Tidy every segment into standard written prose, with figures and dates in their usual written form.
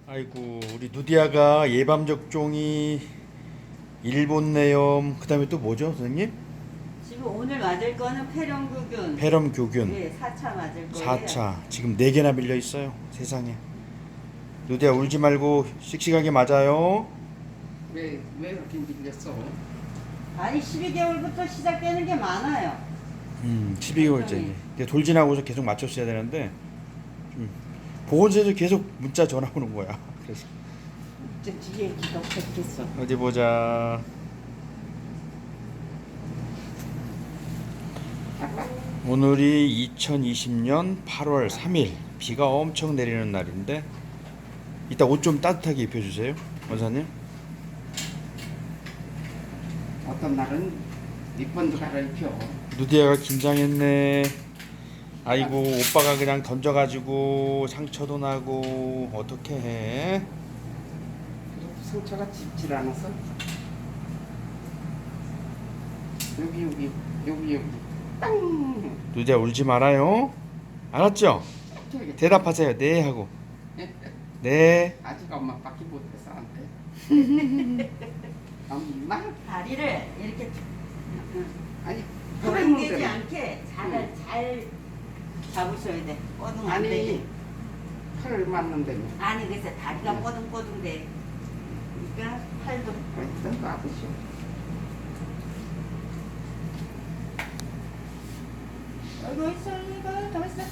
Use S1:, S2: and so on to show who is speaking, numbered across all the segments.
S1: 아이고 우리 누디아가 예방 접종이 일본 내염 그다음에 또 뭐죠 선생님?
S2: 지금 오늘 맞을 거는 폐렴교균.
S1: 폐렴 교균
S2: 네, 4차 맞을 거예요.
S1: 4차 지금 4개나 밀려 있어요 세상에. 누디아 울지 말고 씩씩하게 맞아요.
S3: 왜 그렇게 밀렸어?
S2: 아니 12개월부터 시작되는 게 많아요.
S1: 12개월째 돌 지나고서 계속 맞췄어야 되는데 보건소에서 계속 문자 전화 오는 거야. 그래서
S3: 이제 뒤에 기가 뺏겼어.
S1: 어디 보자. 오늘이 2020년 8월 3일 비가 엄청 내리는 날인데 이따 옷 좀 따뜻하게 입혀주세요 원사님.
S3: 어떤 날은 밑번도 갈아입혀.
S1: 누디아가 긴장했네. 아이고 오빠가 그냥 던져가지고 상처도 나고 어떻게 해.
S3: 상처가 짙질 않아서. 여기 땅.
S1: 누디아 울지 말아요. 알았죠? 대답하세요. 네 하고. 네.
S3: 아직 엄마밖에 못해서 안 돼. 엄마?
S2: 다리를 이렇게
S3: 아니
S2: 고정되지
S3: 그랬는데
S2: 않게 잘 잡으셔야 돼. 뻐둥 안
S3: 아니
S2: 되게.
S3: 팔을 맞는데
S2: 아니 그래서 다리가 뻐둥뻐둥 돼. 그러니까 팔도
S3: 일단 놔두시오.
S2: 아이고 있어 이거 더 있어.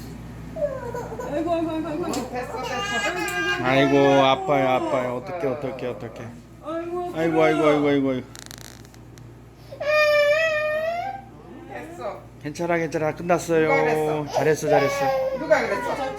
S2: 아이고
S3: 됐어.
S1: 아이고 아빠요 어떡해. 아이고.
S3: 됐어.
S1: 괜찮아 끝났어요.
S3: 누가 그랬어?
S1: 잘했어.
S3: 누가 그랬어?